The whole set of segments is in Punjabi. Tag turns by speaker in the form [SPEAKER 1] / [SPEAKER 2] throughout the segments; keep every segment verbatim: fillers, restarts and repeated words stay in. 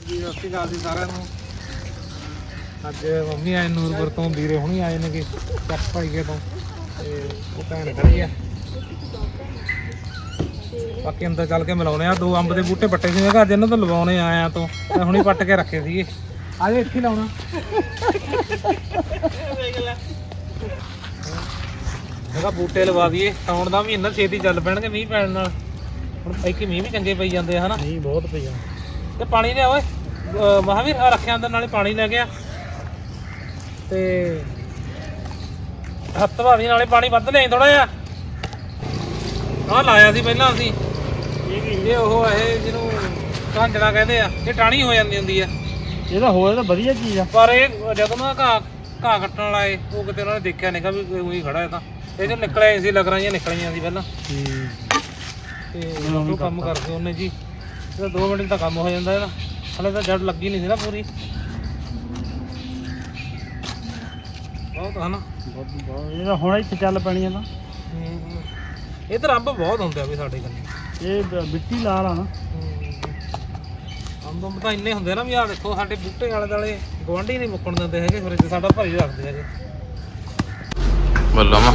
[SPEAKER 1] ਜੀ ਸਤਿ ਸ਼੍ਰੀ ਅਕਾਲ ਜੀ ਸਾਰਿਆਂ ਨੂੰ। ਅੱਜ ਮੰਮੀ ਆਏ ਨੂਰਪੁਰ ਤੋਂ, ਵੀਰੇ ਹੁਣੀ ਆਏ ਨੇ ਕਿ ਚੱਕ ਭਾਈਏ ਤੋਂ, ਤੇ ਉਹ ਭੈਣ ਖੜੀ ਆ। ਬਾਕੀ ਅੰਦਰ ਚੱਲ ਕੇ ਮਿਲਾਉਣੇ ਆ। ਦੋ ਅੰਬ ਦੇ ਬੂਟੇ ਪੱਟੇ ਸੀ, ਮੈਂ ਕਿਹਾ ਅੱਜ ਇਹਨਾਂ ਤੋਂ ਲਵਾਉਣੇ ਆਇਆ ਤੋਂ, ਮੈਂ ਹੁਣੀ ਪੱਟ ਕੇ ਰੱਖੇ ਸੀਗੇ। ਆ ਜਾ ਇੱਥੇ ਲਾਉਣਾ। ਮੈਂ ਕਿਹਾ ਬੂਟੇ ਲਵਾ ਦਈਏ, ਸਾਉਣ ਦਾ ਮਹੀਨਾ ਛੇਤੀ ਚੱਲ ਪੈਣਗੇ ਮੀਂਹ ਪੈਣ ਨਾਲ। ਹੁਣ ਇੱਕ ਮੀਂਹ ਵੀ ਚੰਗੇ ਪਈ ਜਾਂਦੇ ਆ ਹਨਾ।
[SPEAKER 2] ਮੀਂਹ ਬਹੁਤ ਪਈ ਆ
[SPEAKER 1] ਤੇ ਪਾਣੀ ਲਿਆ ਓਏ ਮਹਾਵੀਰ, ਆ ਰੱਖਿਆ ਅੰਦਰ, ਨਾਲੇ ਪਾਣੀ ਲੈ ਗਿਆ ਤੇ ਹੱਥ ਭਾਵੀ ਨਾਲੇ ਪਾਣੀ ਵੱਧ ਲਿਆਈ ਥੋੜਾ ਜਿਹਾ। ਆਹ ਲਾਇਆ ਸੀ ਪਹਿਲਾਂ ਅਸੀਂ, ਇਹ ਉਹ ਇਹ ਜਿਹਨੂੰ ਝਾਂਜਣਾ ਕਹਿੰਦੇ ਆ, ਇਹ ਟਾਣੀ ਹੋ ਜਾਂਦੀ ਹੁੰਦੀ ਆ।
[SPEAKER 2] ਇਹਦਾ ਹੋਇਆ ਤਾਂ ਵਧੀਆ ਚੀਜ਼ ਆ,
[SPEAKER 1] ਪਰ ਇਹ ਜਦੋਂ ਨਾ ਘਾਹ ਘਾਹ ਕੱਟਣ ਵਾਲਾ ਏ, ਉਹ ਕਿਤੇ ਉਹਨਾਂ ਨੇ ਦੇਖਿਆ ਨਹੀਂ ਵੀ ਉਹੀ ਖੜਾ ਹੈ। ਤਾਂ ਇਹ ਜੋ ਨਿਕਲਿਆ ਸੀ, ਲੱਗ ਰਹੀਆਂ ਨਿਕਲੀਆਂ ਸੀ ਪਹਿਲਾਂ, ਤੇ ਉਹ ਕੰਮ ਕਰਦੇ ਉਹਨੇ ਜੀ। ਇਹਦਾ ਦੋ ਮਿੰਟ ਤਾਂ ਕੰਮ ਹੋ ਜਾਂਦਾ ਇਹਦਾ। ਹਲੇ ਤਾਂ ਜੜ ਲੱਗੀ ਨਹੀਂ ਸੀ ਨਾ ਪੂਰੀ, ਬਹੁਤ ਹਨਾ।
[SPEAKER 2] ਇਹਦਾ ਹੁਣ ਇੱਥੇ ਚੱਲ ਪੈਣੀ ਆ ਤਾਂ।
[SPEAKER 1] ਇਹ ਤਾਂ ਅੰਬ ਬਹੁਤ ਹੁੰਦੇ ਆ ਵੀ ਸਾਡੇ ਕੋਲ।
[SPEAKER 2] ਇਹ ਮਿੱਟੀ ਲਾਲ ਆ ਨਾ,
[SPEAKER 1] ਅੰਬ ਤਾਂ ਇੰਨੇ ਹੁੰਦੇ ਨਾ ਵੀ। ਆਹ ਦੇਖੋ ਸਾਡੇ ਬੂਟੇ ਆਲੇ ਦੁਆਲੇ ਗੁਆਂਢੀ ਨਹੀਂ ਮੁੱਕਣ ਦਿੰਦੇ ਹੈਗੇ, ਫਿਰ ਸਾਡਾ ਭਰੀ ਰੱਖਦੇ ਹੈਗੇ।
[SPEAKER 3] ਬੱਲਾ ਮਾ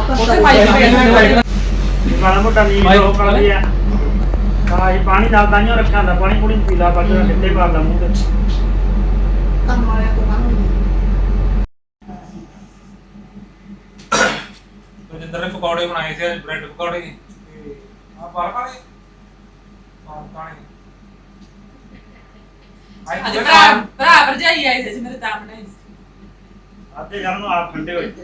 [SPEAKER 2] ਮਾੜਾ ਮੋਟਾ ਨੀਂਦ ਉਹ ਕਰਦੀ ਆ। ਹਾਂ ਇਹ ਪਾਣੀ ਨਾਲ ਤਾਂ ਹੀ ਰੱਖਿਆ ਹੁੰਦਾ, ਪਾਣੀ ਪੂਣੀ ਪੀਲਾ ਪਾ ਕੇ ਕਿੱਥੇ ਪਾਦਾ ਮੂੰਹ ਤੇ।
[SPEAKER 4] ਕੰਮ ਵਾਲਿਆਂ ਤੋਂ ਕੰਮ
[SPEAKER 1] ਜਿੰਦਰ ਨੇ ਪਕੌੜੇ ਬਣਾਏ ਸੀ, ਬ੍ਰੈਡ ਪਕੌੜੇ ਤੇ ਆ ਪਾਲਕ ਵਾਲੇ ਪਾਲਕ ਵਾਲੇ
[SPEAKER 4] ਅੱਜ ਭਰਾ ਭਰਾ ਭਰਜਾਈ ਆਏ ਸੀ ਮੇਰੇ ਤਾਂ ਬਣਾਏ ਸੀ।
[SPEAKER 2] ਆਤੇ ਜਨ ਨੂੰ ਆਪ ਠੰਡੇ ਹੋਏ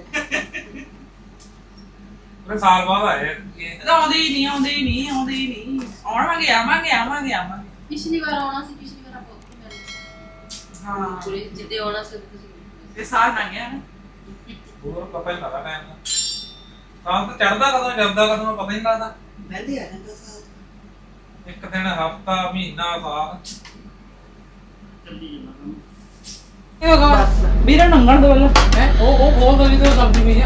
[SPEAKER 1] ਪੂਰੇ ਸਾਲ ਬਾਅਦ ਆਏ ਇਹ।
[SPEAKER 4] ਆਉਂਦੇ ਹੀ ਨਹੀਂ ਆਉਂਦੇ ਹੀ ਨਹੀਂ ਆਉਂਦੇ ਹੀ ਨਹੀਂ ਆਉਣਾਂਗੇ ਆਵਾਂਗੇ ਆਵਾਂਗੇ ਆਵਾਂਗੇ।
[SPEAKER 5] ਪਿਛਲੀ ਵਾਰ ਆਉਣਾ ਸੀ, ਪਿਛਲੀ ਵਾਰ ਆਪਾਂ ਉੱਥੇ ਮਿਲੇ ਸੀ।
[SPEAKER 4] ਹਾਂ
[SPEAKER 5] ਪੂਰੇ ਜਿੱਦੇ ਆਉਣਾ ਸੀ ਤੁਸੀਂ
[SPEAKER 4] ਇਹ ਸਾਲ ਨਾ ਗਿਆ ਨਾ,
[SPEAKER 1] ਹੋਰ ਪਤਾ ਹੀ ਲੱਗਦਾ ਟਾਈਮ ਦਾ। ਸਾਲ ਤਾਂ ਚੜਦਾ ਕਦੋਂ ਜਾਂਦਾ ਕਦੋਂ ਪਤਾ ਹੀ ਨਹੀਂ ਲੱਗਦਾ।
[SPEAKER 4] ਵੈਸੇ ਆ ਜਾਂਦਾ ਸਾਲ।
[SPEAKER 1] ਇੱਕ ਦਿਨ, ਹਫਤਾ, ਮਹੀਨਾ, ਸਾਲ
[SPEAKER 2] ਚੱਲੀ ਜਾਂਦਾ।
[SPEAKER 4] ਵੀਰੇ ਨੰਗਣ ਦੋ ਲੋ ਹੈ ਉਹ ਉਹ ਖੋਲ ਦੋ ਜਿੱਦੋਂ ਸਬਜ਼ੀ ਵੀ ਹੈ।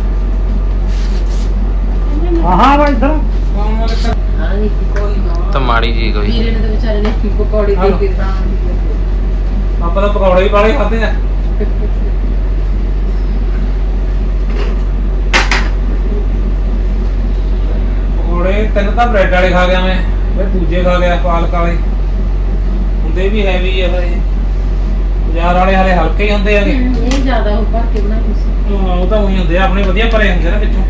[SPEAKER 2] ਹਾਂ ਹਾਂ ਭਾਈ ਇੱਧਰ
[SPEAKER 1] ਕੰਮ ਵਾਲੇ ਤਾਂ
[SPEAKER 5] ਹਾਂ ਨਹੀਂ ਕੋਈ ਨਾ
[SPEAKER 3] ਤਾਂ ਮਾੜੀ ਜੀ ਕੋਈ
[SPEAKER 5] ਵੀਰੇ ਨੇ ਤਾਂ ਵਿਚਾਰੇ ਨੇ ਪਕੌੜੇ ਦੇ ਕੇ ਤਾਂ
[SPEAKER 1] ਆਪਾਂ ਤਾਂ ਪਕੌੜੇ ਹੀ ਵਾਲੇ ਖਾਦੇ ਆ। ਪਕੌੜੇ ਤਿੰਨ ਤਾਂ ਬ੍ਰੈਡ ਵਾਲੇ ਖਾ ਗਿਆ ਮੈਂ, ਫਿਰ ਦੂਜੇ ਖਾ ਗਿਆ ਪਾਲਕ ਵਾਲੇ। ਹੁੰਦੇ ਵੀ ਹੈਵੀ ਆ ਫਿਰ ਇਹ, ਬਾਜ਼ਾਰ ਵਾਲੇ ਹਾਲੇ ਹਲਕੇ ਹੀ ਹੁੰਦੇ ਹੈਗੇ।
[SPEAKER 5] ਇਹ ਜ਼ਿਆਦਾ ਉਹ ਭਰ ਕੇ ਬਣਾਈ ਸੀ।
[SPEAKER 1] ਹਾਂ ਉਹ ਤਾਂ ਉਹੀ ਹੁੰਦੇ ਆ, ਆਪਣੇ ਵਧੀਆ ਭਰੇ ਹੁੰਦੇ ਨਾ ਵਿੱਚੋਂ।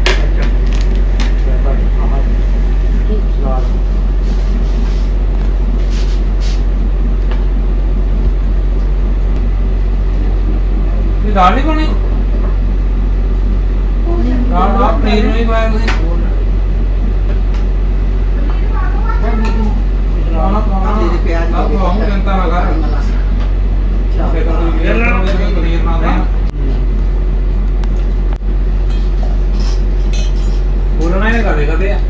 [SPEAKER 1] ਇਹ ਦਾਲ ਨਹੀਂ ਬਣੀ, ਦਾਲ ਨਾਲ ਪਨੀਰ ਨਹੀਂ ਪਾਇਆ ਤੁਸੀਂ। ਖਾਣਾ ਖਾਣਾ ਦੇ ਪਿਆਜ਼ ਦਾ ਬਹੁਤ ਜਨਤਾ ਲਗਾ ਫਿਰ ਤਾਂ ਤੁਸੀਂ ਵੇਰ ਲੈਣਾ ਪਨੀਰ ਨਾ ਦੇ ਬੋਲਣਾ ਹੀ ਕਦੇ ਕਦੇ ਆ।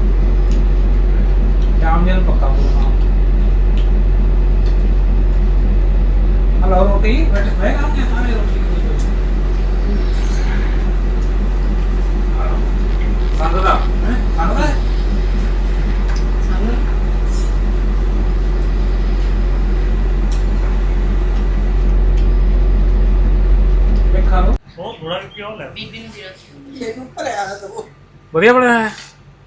[SPEAKER 1] ਸ਼ਾਮ ਨੂੰ ਪੱਕਾ ਬੋਲਣਾ। ਹਲੋ ਰੋਟੀ ਬੈਠ ਬੈਠ ਕਰਾਂਗੇ ਸਾਰੇ ਰੋਟੀ ਸੰਗਦਾ ਹੈ ਸੰਗਦਾ
[SPEAKER 2] ਉਹ ਥੋੜਾ ਕਿਉਂ ਲੈ
[SPEAKER 5] ਬੀਬੀ ਨੂੰ ਦੇਣਾ ਸੀ।
[SPEAKER 4] ਇਹਨੂੰ ਭਰਿਆ ਤਾਂ ਉਹ
[SPEAKER 1] ਵਧੀਆ ਬਣਿਆ ਹੈ।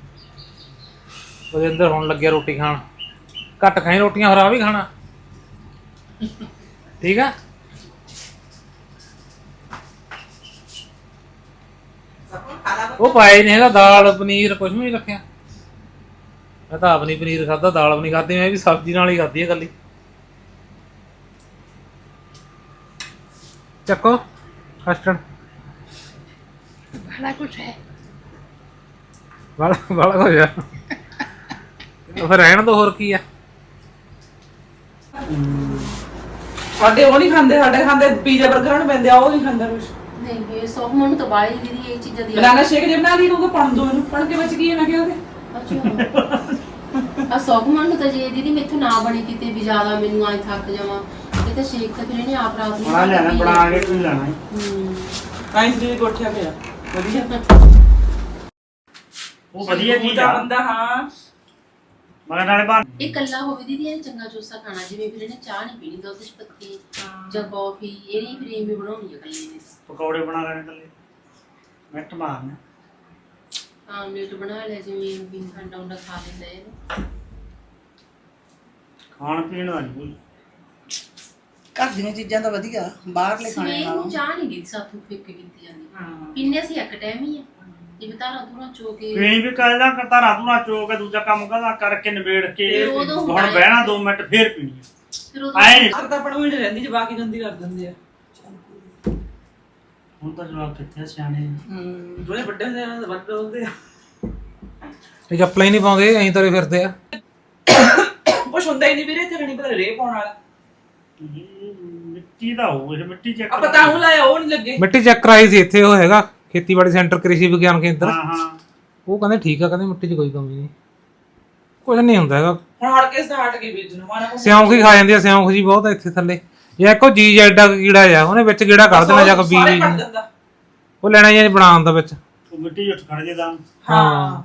[SPEAKER 1] ਉਹਦੇ ਅੰਦਰ ਹੁਣ ਲੱਗਿਆ ਰੋਟੀ ਖਾਣ। ਘੱਟ ਖਾਈ ਰੋਟੀਆਂ, ਹਰਾ ਵੀ ਖਾਣਾ ਠੀਕ ਆ। ਉਹ ਪਾਏ ਨਹੀਂ ਹੈਗਾ ਦਾਲ ਪਨੀਰ ਕੁਝ ਵੀ ਨਹੀਂ ਰੱਖਿਆ। ਮੈਂ ਤਾਂ ਆਪ ਨਹੀਂ ਪਨੀਰ ਖਾਧਾ, ਦਾਲ ਵੀ ਨਹੀਂ ਖਾਧੀ, ਮੈਂ ਵੀ ਸਬਜ਼ੀ ਨਾਲ ਹੀ ਖਾਧੀ ਹੈ ਇਕੱਲੀ। ਚੱਕੋ ਕਸਟਰਡ
[SPEAKER 5] ਬੜਾ ਕੁਝ ਹੈ
[SPEAKER 1] ਵਾਲਾ ਵਾਲਾ ਹੋ ਜਾ ਫਿਰ ਰਹਿਣ ਦੋ, ਹੋਰ ਕੀ ਆ।
[SPEAKER 4] ਸਾਡੇ ਉਹ ਨਹੀਂ ਖਾਂਦੇ, ਸਾਡੇ ਖਾਂਦੇ ਪੀਜ਼ਾ 버ਗਰ ਨੂੰ ਪੈਂਦੇ ਆ, ਉਹ ਨਹੀਂ ਖਾਂਦਾ ਕੁਝ।
[SPEAKER 5] ਨਹੀਂ ਇਹ ਸੌਖ ਮਨ ਤਾਂ ਬਾਲੀ ਦੀ ਇਹ ਚੀਜ਼ਾਂ ਦੀ
[SPEAKER 4] ਬਨਾਨਾ ਸ਼ੇਕ ਜੇ ਬਣਾ ਲਈ ਨੂੰ ਪਣ ਦੋ ਇਹਨੂੰ, ਪਣ ਕੇ ਬਚ ਗਈ ਹੈ ਮੈਂ ਕਿਹਾ ਉਹਦੇ।
[SPEAKER 5] ਅੱਛਾ ਆ ਸੌਖ ਮਨ ਤਾਂ ਜੇ ਦੀਦੀ ਮੈਥੋਂ ਨਾ ਬਣੀ ਕਿਤੇ ਵੀ ਜ਼ਿਆਦਾ ਮੈਨੂੰ ਆਈ ਥੱਕ ਜਾਵਾਂ ਇਹ ਤਾਂ ਸ਼ੇਕ ਤਾਂ ਫਿਰ ਇਹਨੇ ਆਪ ਰਾਤ ਨੂੰ
[SPEAKER 2] ਬਣਾ ਲੈਣਾ, ਬਣਾ ਕੇ ਪੀ ਲੈਣਾ।
[SPEAKER 5] ਹੂੰ
[SPEAKER 4] ਕਾਇੰਸ ਦੀ ਗੋਠਿਆ ਪਿਆ ਵਧੀਆ।
[SPEAKER 2] ਉਹ ਵਧੀਆ ਚੀਜ਼
[SPEAKER 4] ਦਾ
[SPEAKER 2] ਆ।
[SPEAKER 4] ਬੰਦਾ ਹਾਂ
[SPEAKER 2] ਮਗਰ ਨਾਲੇ ਬਾਹਰ
[SPEAKER 5] ਇਹ ਕੱਲਾ ਹੋਵੇ ਦੀਦੀ ਇਹ ਚੰਗਾ ਚੋਸਾ ਖਾਣਾ ਜਿਵੇਂ ਫਿਰ ਇਹਨੇ ਚਾਹ ਨਹੀਂ ਪੀਣੀ ਤਾਂ ਉਹਦੇ ਚ ਪੱਤੀ ਜਾਂ ਕੌਫੀ ਇਹਦੀ ਫਿਰ ਇਵੇਂ ਬਣਾਉਣੀ ਹੈ ਕੱਲੇ ਨੇ
[SPEAKER 2] ਪਕੌੜੇ ਬਣਾ ਲੈਣੇ ਕੱਲੇ ਮਿੰਟ ਮਾਰਨੇ
[SPEAKER 5] ਆਮਲੇਟ ਬਣਾ ਲਿਆ ਜਿਵੇਂ ਵੀ ਅੰਡਾ ਉਂਡਾ ਖਾ ਲੈਂਦਾ ਇਹਨੂੰ
[SPEAKER 2] ਖਾਣ ਪੀਣ ਦਾ ਨਹੀਂ ਕੋਈ
[SPEAKER 4] ਘਰ ਦੀਆਂ ਚੀਜ਼ਾਂ ਤਾਂ ਵਧੀਆ ਬਾਹਰਲੇ ਖਾਣੇ
[SPEAKER 5] ਸਵੇਰ
[SPEAKER 4] ਨਾਲੋਂ
[SPEAKER 5] ਨੂੰ ਚਾਹ ਨਹੀਂ ਦੀ ਸਾਥੋਂ ਫਿੱਕ ਕੀਤੀ ਜਾਂਦੀ ਪੀਨੇ ਸੀ ਇੱਕ ਟਾਈਮ ਹੀ ਆ ਜਿਵੇਂ ਤਾਰਾ ਤੂਰਾ ਚੋ ਕੇ
[SPEAKER 2] ਪੀਣੀ ਵੀ ਕਾਇਦਾ ਕਰਤਾ ਰਾਤ ਨੂੰ ਚੋ ਕੇ ਦੂਜਾ ਕੰਮ ਕਰਦਾ ਕਰਕੇ ਨਿਬੇੜ ਕੇ
[SPEAKER 5] ਫਿਰ ਉਦੋਂ
[SPEAKER 2] ਹੁਣ
[SPEAKER 5] ਹੁੰਦਾ ਹੈ।
[SPEAKER 2] ਬਹਿਣਾ ਦੋ ਮਿੰਟ ਫੇਰ ਪੀਣੀ
[SPEAKER 5] ਫਿਰ ਉਹ
[SPEAKER 2] ਆਏ ਨੀ।
[SPEAKER 4] ਘਰ ਤਾਂ ਆਪਣਾ ਵੀ ਰਹਿੰਦੀ ਜਵਾ ਕੇ ਗੰਦੀ ਕਰ ਦਿੰਦੇ ਆ
[SPEAKER 2] ਹੁਣ ਤਾਂ ਜਵਾਬ ਕਿੱਥੇ ਆ, ਸਿਆਣੇ ਆ।
[SPEAKER 4] ਹੂੰ ਜਿਹੜੇ ਵੱਡੇ ਹੁੰਦੇ ਆ ਉਹ ਵੱਡੇ ਹੁੰਦੇ ਆ
[SPEAKER 1] ਇਹ ਚੱਪਲਾਂ ਹੀ ਨਹੀਂ ਪਾਉਂਦੇ ਐਂ ਤੁਰੇ ਫਿਰਦੇ ਆ
[SPEAKER 4] ਕੁਛ ਹੁੰਦਾ ਹੀ ਨਹੀਂ ਵੀਰੇ ਇੱਥੇ ਨਹੀਂ ਪਤਾ ਰੇ ਪਾਉਣ ਵਾਲਾ
[SPEAKER 2] ਇਹ ਮਿੱਟੀ ਦਾ ਹੋਊ ਇਹ ਮਿੱਟੀ ਚੈੱਕ
[SPEAKER 4] ਆ ਪਤਾ ਉਹ ਲਾਇਆ ਉਹ ਨਹੀਂ ਲੱਗੇ
[SPEAKER 1] ਮਿੱਟੀ ਚੈੱਕ ਕਰਾਈ ਸੀ ਇੱਥੇ ਉਹ ਹੈਗਾ ਖੇਤੀਬਾੜੀ ਸੈਂਟਰ ਕ੍ਰਿਸ਼ੀ ਵਿਗਿਆਨ ਕੇਂਦਰ
[SPEAKER 2] ਹਾਂ ਹਾਂ
[SPEAKER 1] ਉਹ ਕਹਿੰਦੇ ਠੀਕ ਆ ਕਹਿੰਦੇ ਮਿੱਟੀ 'ਚ ਕੋਈ ਕਮੀ ਨਹੀਂ ਕੁਝ ਨਹੀਂ ਹੁੰਦਾ ਹੈਗਾ
[SPEAKER 4] ਹੁਣ ਹੜ ਕੇ ਸਟਾਰਟ ਗਈ ਬੀਜ ਨੂੰ ਮਾਨਾ
[SPEAKER 1] ਸਿਉਂਖ ਹੀ ਖਾ ਜਾਂਦੀ ਆ ਸਿਉਂਖ ਜੀ ਬਹੁਤ ਆ ਇੱਥੇ ਥੱਲੇ ਇਹ ਇੱਕੋ ਜੀ ਜੈਡਾ ਕੀੜਾ ਆ ਉਹਨੇ ਵਿੱਚ ਕੀੜਾ ਕੱਢ ਦੇਣਾ ਜਾ ਕੇ ਬੀਜ ਉਹ ਲੈਣਾ ਜਾਂ ਬਣਾਉਣ ਦਾ ਵਿੱਚ
[SPEAKER 2] ਉਹ ਮਿੱਟੀ ਉੱਠ ਖੜ ਜੇ ਦਾ
[SPEAKER 4] ਹਾਂ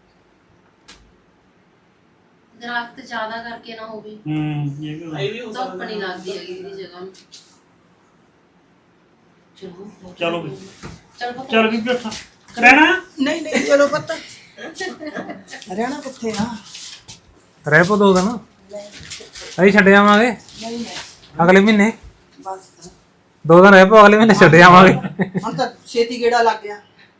[SPEAKER 5] ਦਰਖਤ ਜ਼ਿਆਦਾ ਕਰਕੇ ਨਾ ਹੋਵੇ
[SPEAKER 2] ਹੂੰ ਇਹ ਵੀ
[SPEAKER 4] ਇਹ ਵੀ ਹੋ
[SPEAKER 5] ਧੁੱਪ ਨਹੀਂ ਲੱਗਦੀ ਹੈਗੀ ਇਹਦੀ ਜਗ੍ਹਾ ਨੂੰ ਚਲੋ
[SPEAKER 2] ਚਲੋ ਵੀ।
[SPEAKER 5] ਚਲ ਪਤਾ
[SPEAKER 2] ਚੱਲ ਵੀ ਬੈਠਾ ਰਹਿਣਾ
[SPEAKER 4] ਨਹੀਂ ਨਹੀਂ ਚਲੋ ਪਤਾ ਰਹਿਣਾ ਕਿੱਥੇ ਆ
[SPEAKER 1] ਰਹਿ ਪੋ ਦੋ ਦਿਨ ਅਸੀਂ ਛੱਡ ਜਾਵਾਂਗੇ
[SPEAKER 4] ਨਹੀਂ ਨਹੀਂ
[SPEAKER 1] ਅਗਲੇ ਮਹੀਨੇ
[SPEAKER 4] ਬਸ
[SPEAKER 1] ਦੋ ਦਿਨ ਰਹਿ ਪੋ ਅਗਲੇ ਮਹੀਨੇ ਛੱਡ ਜਾਵਾਂਗੇ
[SPEAKER 4] ਹੁਣ ਤਾਂ ਛੇਤੀ ਗੇੜਾ ਲੱਗ ਗਿਆ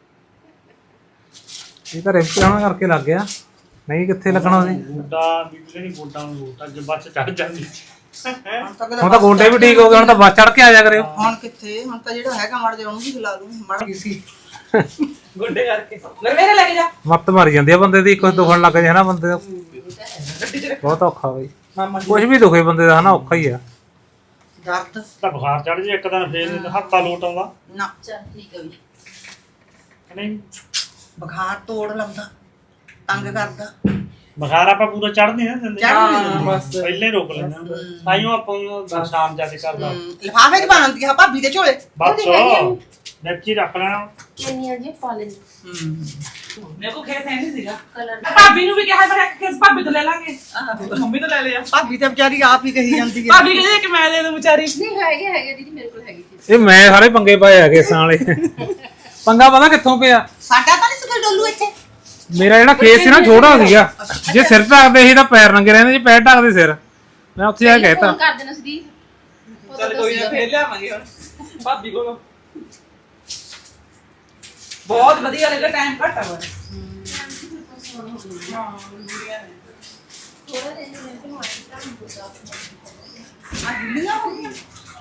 [SPEAKER 1] ਇਹ ਤਾਂ ਰਿਪਟਾਣਾ ਕਰਕੇ ਲੱਗ ਗਿਆ ਨਹੀਂ ਕਿੱਥੇ ਲੱਗਣਾ ਸੀ
[SPEAKER 2] ਗੋਡਾ ਬੀਬੀ ਨਹੀਂ ਗੋਡਾ ਨੂੰ ਗੋਡਾ ਜੇ ਬੱਚ ਚੜ ਜਾਂਦੀ
[SPEAKER 4] ਹੁਣ ਤਾਂ
[SPEAKER 1] ਹੁਣ ਤਾਂ ਗੋਡੇ ਵੀ ਠੀਕ ਹੋ ਗਏ ਹੁਣ ਤਾਂ ਬੱਸ ਚੜ ਕੇ ਆ ਜਾ ਕਰਿਓ
[SPEAKER 4] ਹੁਣ ਕਿੱਥੇ ਹੁਣ ਤਾਂ ਜਿਹੜਾ ਹੈਗਾ ਮੜ ਜਾ ਉਹਨੂੰ ਵੀ ਖਿਲਾ ਦੂੰ ਮੜ ਗਈ ਸੀ ਗੋਡੇ ਕਰਕੇ ਲੈ ਮੇਰੇ ਲੈ ਕੇ ਜਾ
[SPEAKER 1] ਮੱਤ ਮਾਰੀ ਜਾਂਦੀ ਆ ਬੰਦੇ ਦੀ ਕੁਝ ਦੁਖਣ ਲੱਗ ਜਾਏ ਨਾ ਬੰਦੇ ਦਾ ਬਹੁਤ ਔਖਾ ਬਈ
[SPEAKER 4] ਮਾਮਾ
[SPEAKER 1] ਕੁਝ ਵੀ ਦੁਖੇ ਬੰਦੇ ਦਾ ਹਨਾ ਔਖਾ ਹੀ ਆ
[SPEAKER 4] ਦਰਦ
[SPEAKER 2] ਤਾਂ ਬੁਖਾਰ ਚੜ ਜੇ ਇੱਕ ਦਿਨ ਫੇਰ ਹੱਥਾ ਲੋਟ ਆਉਂਦਾ
[SPEAKER 4] ਨਾ
[SPEAKER 5] ਚੱਲ ਠੀਕ ਹੈ ਵੀ
[SPEAKER 2] ਨਹੀਂ
[SPEAKER 4] ਬੁਖਾਰ ਤੋੜ ਲਾਉਂਦਾ ਤੰਗ ਕਰਦਾ
[SPEAKER 2] ਬੁਖਾਰ ਆਪਾਂ ਪੂਰਾ ਚੜ ਨਹੀਂ ਨਾ ਦਿੰਦੇ
[SPEAKER 4] ਚੜ੍ਹ ਨਹੀਂ ਦਿੰਦੇ।
[SPEAKER 2] ਬਸ ਪਹਿਲੇ ਰੋਕ ਲੈਂਦੇ ਤਾਈਓ ਆਪਾਂ ਨੂੰ ਸ਼ਾਮ ਜਾ ਕੇ ਕਰਦਾ
[SPEAKER 4] ਲਿਫਾਫੇ ਚ ਪਾਉਂਦੀ ਆ ਭਾਬੀ ਦੇ ਝੋਲੇ
[SPEAKER 2] ਬਸ ਨੱਚੀ ਰੱਖ ਲੈਣਾ
[SPEAKER 5] ਕਿੰਨੀਆਂ ਜੀ ਪਾ ਲੈਣੀ
[SPEAKER 4] ਮੇਰੇ ਕੋ ਖੇਸ ਹੈ ਨਹੀਂ ਸੀਗਾ
[SPEAKER 5] ਕਲਰ
[SPEAKER 4] ਭਾਬੀ ਨੂੰ ਵੀ ਕਿਹਾ ਮੈਂ ਖੇਸ ਭਾਬੀ ਤੋਂ ਲੈ ਲਾਂਗੇ ਮੰਮੀ ਤੋਂ ਲੈ ਲਿਆ ਭਾਬੀ ਤਾਂ ਵਿਚਾਰੀ ਆਪ ਹੀ ਕਹੀ ਜਾਂਦੀ ਹੈ ਭਾਬੀ ਕਹਿੰਦੀ ਕਿ ਮੈਂ ਦੇ ਦੂੰ ਵਿਚਾਰੀ
[SPEAKER 5] ਨਹੀਂ ਹੈਗੇ ਹੈਗੇ ਦੀਦੀ ਮੇਰੇ ਕੋਲ ਹੈਗੀ ਸੀ
[SPEAKER 1] ਇਹ ਮੈਂ ਸਾਰੇ ਪੰਗੇ ਪਾਏ ਆ ਕੇਸਾਂ ਵਾਲੇ ਪੰਗਾ ਪਤਾ ਕਿੱਥੋਂ ਪਿਆ
[SPEAKER 4] ਸਾਡਾ ਤਾਂ ਨਹੀਂ ਸੀ ਕੋਈ ਡੋਲੂ ਇੱਥੇ
[SPEAKER 1] ਮੇਰਾ ਜਿਹੜਾ ਕੇਸ ਸੀ ਨਾ ਛੋਟਾ ਸੀਗਾ ਜੇ ਸਿਰ ਢੱਕਦੇ ਸੀ ਤਾਂ ਪੈਰ ਨੰਗੇ ਰਹਿੰਦੇ ਜੇ ਪੈਰ ਢੱਕਦੇ ਸਿਰ ਮੈਂ ਉੱਥੇ ਜਾ ਕੇ ਕਹਿਤਾ
[SPEAKER 5] ਫੋਨ ਕਰ ਦੇਣਾ ਸੀ
[SPEAKER 4] ਚੱਲ ਕੋਈ ਨਾ ਫੇਰ ਲਿਆਵਾਂਗੇ ਹੁਣ ਭਾਬੀ ਕੋਲੋਂ ਬਹੁਤ ਵਧੀਆ ਲੱਗਾ ਟਾਈਮ ਘੱਟ ਆ ਵਾ ਆ ਗਿੱਲੀਆਂ ਹੋ ਗਈਆਂ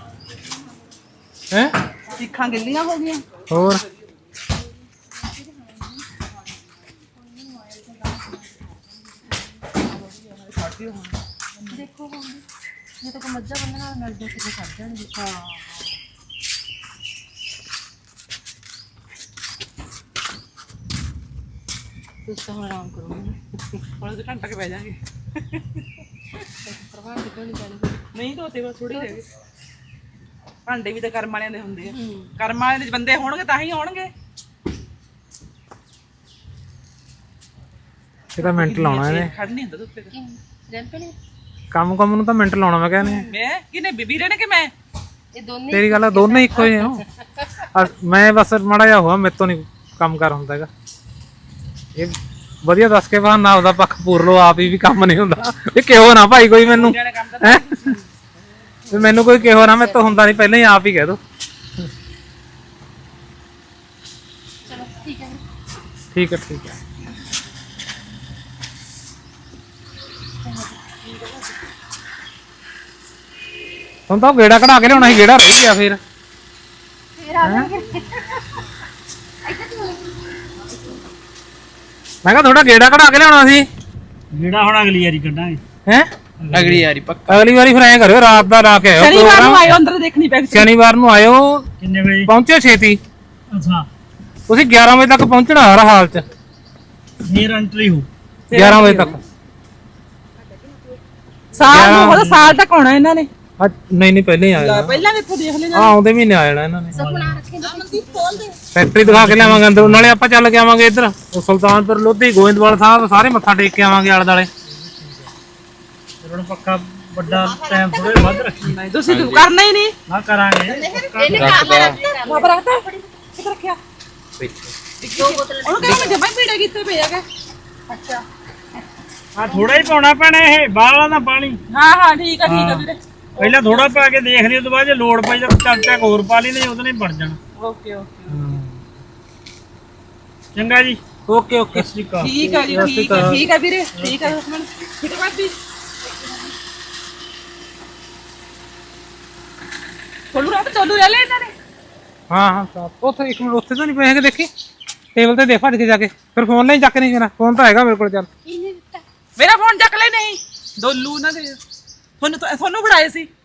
[SPEAKER 1] ਹੈ
[SPEAKER 4] ਸਿੱਖਾਂ ਗਿੱਲੀਆਂ ਹੋ ਗਈਆਂ
[SPEAKER 1] ਹੋਰ
[SPEAKER 5] ਦੇਖੋ ਹੁਣ ਜੇ ਤਾਂ ਕੋਈ ਮੱਝਾਂ ਬੰਨਣ ਨਾਲ ਮਿਲ ਜਾ ਕਿਤੇ ਛੱਡ ਜਾਣਗੇ ਹਾਂ ਤੁਸੀਂ ਤਾਂ ਹੁਣ ਆਰਾਮ ਕਰੋ
[SPEAKER 4] ਹੁਣ ਤਾਂ ਘੰਟਾ ਕੇ ਬਹਿ ਜਾਾਂਗੇ
[SPEAKER 5] ਪ੍ਰਭਾਵ ਕਿਉਂ ਨਹੀਂ ਪੈਣੀ
[SPEAKER 4] ਨਹੀਂ ਧੋਤੇ ਬਸ ਥੋੜੀ ਰਹਿ ਗਏ ਭਾਂਡੇ ਵੀ ਤਾਂ ਕਰਮ ਵਾਲਿਆਂ ਦੇ ਹੁੰਦੇ ਆ ਕਰਮ ਵਾਲਿਆਂ ਦੇ ਬੰਦੇ ਹੋਣਗੇ ਤਾਂ ਹੀ ਆਉਣਗੇ
[SPEAKER 1] ਇਹਦਾ ਮਿੰਟ ਲਾਉਣਾ ਇਹਨੇ
[SPEAKER 4] ਖੜ ਨਹੀਂ ਹੁੰਦਾ ਧੁੱਪੇ
[SPEAKER 5] ਕਿ ਰੈਂਪ ਨਹੀਂ
[SPEAKER 1] ਕੰਮ ਕੰਮ ਨੂੰ ਤਾਂ ਮਿੰਟ ਲਾਉਣਾ ਮੈਂ ਕਹਿੰਦੇ
[SPEAKER 4] ਮੈਂ ਕਿਨੇ ਬੀਬੀ ਨੇ ਕਿ ਮੈਂ
[SPEAKER 5] ਇਹ ਦੋਨੇ
[SPEAKER 1] ਤੇਰੀ ਗੱਲ ਆ ਦੋਨੇ ਇੱਕੋ ਜਿਹੇ ਹੋ ਆ ਮੈਂ ਬਸ ਮਾੜਾ ਜਿਹਾ ਹੋਆ ਮੇਰੇ ਤੋਂ ਨਹੀਂ ਕੰਮ ਕਰ ਹੁੰਦਾ ਹੈਗਾ ਇਹ ਵਧੀਆ ਦੱਸ ਕੇ ਬਾਹਰ ਨਾ ਉਹਦਾ ਪੱਖ ਪੂਰ ਲੋ ਆਪ ਹੀ ਵੀ ਕੰਮ ਨਹੀਂ ਹੁੰਦਾ ਇਹ ਕਿਹੋ ਨਾ ਭਾਈ ਕੋਈ ਮੈਨੂੰ ਹੈ ਤੇ ਮੈਨੂੰ ਕੋਈ ਕਿਹੋ ਨਾ ਮੇਰੇ ਤੋਂ ਹੁੰਦਾ ਨਹੀਂ ਪਹਿਲਾਂ ਹੀ ਆਪ ਹੀ ਕਹਿ ਦੋ
[SPEAKER 5] ਚਲੋ ਠੀਕ ਹੈ
[SPEAKER 1] ਠੀਕ ਹੈ ਠੀਕ ਹੈ ਹੁਣ ਤਾਂ ਗੇੜਾ ਕਢਾ ਕੇ ਲਿਆਉਣਾ ਸੀ ਗੇੜਾ ਰਹਿ ਗਿਆ ਫਿਰ
[SPEAKER 5] ਫੇਰ ਆ ਜਾਣਗੇ
[SPEAKER 1] ਮੈਂ ਕਿਹਾ ਥੋੜਾ ਗੇੜਾ ਕਢਾ ਕੇ ਲਿਆਉਣਾ ਸੀ
[SPEAKER 2] ਜਿਹੜਾ ਹੁਣ ਅਗਲੀ ਵਾਰੀ ਕੱਢਾਂਗੇ
[SPEAKER 1] ਹੈ
[SPEAKER 4] ਅਗਲੀ ਯਾਰੀ ਪੱਕਾ
[SPEAKER 1] ਅਗਲੀ ਵਾਰੀ ਫਿਰ ਐਂ ਕਰਿਓ ਰਾਤ ਦਾ ਲਾ ਕੇ ਆਇਓ
[SPEAKER 4] ਸ਼ਨੀਵਾਰ ਨੂੰ
[SPEAKER 1] ਪ੍ਰੋਗਰਾਮ
[SPEAKER 4] ਆਇਓ ਅੰਦਰ ਦੇਖਣੀ ਪੈਕ
[SPEAKER 1] ਸ਼ਨੀਵਾਰ ਨੂੰ ਆਇਓ
[SPEAKER 2] ਕਿੰਨੇ ਵਜੇ
[SPEAKER 1] ਪਹੁੰਚਿਓ ਛੇਤੀ
[SPEAKER 2] ਅੱਛਾ
[SPEAKER 1] ਤੁਸੀਂ ਗਿਆਰਾਂ ਵਜੇ ਤੱਕ ਪਹੁੰਚਣਾ ਹਰ ਹਾਲ ਚ
[SPEAKER 2] ਫੇਰ ਐਂਟਰੀ ਹੋ
[SPEAKER 1] ਗਿਆਰਾਂ ਵਜੇ ਤੱਕ
[SPEAKER 4] ਸਾਲ ਨੂੰ ਉਹਦਾ ਸਾਲ ਤੱਕ ਆਉਣਾ ਇਹਨਾਂ ਨੇ
[SPEAKER 1] ਅੱਜ ਨਹੀਂ ਨਹੀਂ ਪਹਿਲਾਂ ਹੀ ਆਇਆ
[SPEAKER 4] ਪਹਿਲਾਂ ਵੀ ਇੱਥੋਂ ਦੇਖ ਲੈਣਾ
[SPEAKER 1] ਹਾਂ ਆਉਂਦੇ ਮਹੀਨੇ ਆ ਜਾਣਾ ਇਹਨਾਂ ਨੇ
[SPEAKER 5] ਸੁਪਨਾ ਰੱਖੇ
[SPEAKER 4] ਮਨਦੀਪ ਖੋਲ ਦੇ
[SPEAKER 1] ਫੈਕਟਰੀ ਦਿਖਾ ਕੇ ਲਿਆਵਾਂਗੇ ਅੰਦਰ ਨਾਲੇ ਆਪਾਂ ਚੱਲ ਕੇ ਆਵਾਂਗੇ ਇੱਧਰ ਉਹ ਸੁਲਤਾਨਪੁਰ ਲੋਧੀ ਗੋਇੰਦਵਾਲ ਸਾਹਿਬ ਸਾਰੇ ਮੱਥਾ ਟੇਕ ਕੇ ਆਵਾਂਗੇ ਆਲੇ ਦਾਲੇ
[SPEAKER 2] ਹੁਣ ਪੱਕਾ ਵੱਡਾ ਟਾਈਮ ਥੋੜੇ ਵੱਧ ਰੱਖੀ
[SPEAKER 4] ਨਹੀਂ ਤੁਸੀਂ ਕਰਨਾ ਹੀ ਨਹੀਂ
[SPEAKER 2] ਨਾ ਕਰਾਂਗੇ
[SPEAKER 4] ਬਾਬਾ ਰੱਖਤਾ ਕਿੱਥੇ ਰੱਖਿਆ
[SPEAKER 5] ਦੋ ਬੋਤਲ
[SPEAKER 4] ਉਹਨੂੰ ਕਹਿੰਦਾ ਮੈਂ ਜਮਾਂ ਹੀ ਪੀੜਾ ਕੀਤੇ ਪਏ ਆਗੇ ਅੱਛਾ
[SPEAKER 2] ਆ ਥੋੜਾ ਹੀ ਪਾਉਣਾ ਪੈਣਾ ਇਹ ਬਾਹਲਾ ਦਾ ਪਾਣੀ
[SPEAKER 4] ਹਾਂ ਹਾਂ ਠੀਕ ਆ ਠੀਕ ਆ ਵੀਰੇ
[SPEAKER 2] ਪਹਿਲਾਂ ਥੋੜਾ ਪਾ ਕੇ ਦੇਖ ਲਈ ਉਸ ਤੋਂ ਬਾਅਦ ਜੇ ਲੋੜ ਪਈ ਤਾਂ ਚੱਲ ਚੱਕ ਹੋਰ ਪਾ ਲਈ ਨਹੀਂ ਉਹਦੇ ਨਾਲ ਹੀ ਬਣ ਜਾਣਾ
[SPEAKER 4] ਓਕੇ ਓਕੇ
[SPEAKER 2] ਚੰਗਾ ਜੀ
[SPEAKER 1] ਓਕੇ ਓਕੇ
[SPEAKER 2] ਸਤਿ ਸ਼੍ਰੀ ਅਕਾਲ
[SPEAKER 4] ਠੀਕ ਆ ਜੀ ਠੀਕ ਆ ਠੀਕ ਆ ਵੀਰੇ ਠੀਕ ਆ ਲక్ష్మణ ਠੀਕ ਆ ਭਾਬੀ ਕੋਲੂ ਰਾਤ ਚੋਲੂ ਲੈ ਲੈ ਇਹਨਾਂ ਨੇ
[SPEAKER 1] ਹਾਂ ਹਾਂ ਸਾਫ ਉੱਥੇ ਇੱਕ ਮਿੰਟ ਉੱਥੇ ਤਾਂ ਨਹੀਂ ਪਏ ਹੈਗੇ ਦੇਖੀ ਟੇਬਲ ਤੇ ਦੇ ਭੱਜ ਕੇ ਜਾ ਕੇ ਫਿਰ ਫੋਨ ਨਹੀਂ ਚੱਕ ਨਹੀਂ ਮੇਰਾ ਫੋਨ ਤਾਂ ਹੈਗਾ ਮੇਰੇ ਕੋਲ ਚੱਲ
[SPEAKER 4] ਮੇਰਾ ਫੋਨ ਚੱਕ ਲੈ ਨਹੀਂ ਦੋਲੂ ਨਾ ਦੇ ਤੁਹਾਨੂੰ ਤੁਹਾਨੂੰ ਫੜਾਏ ਸੀ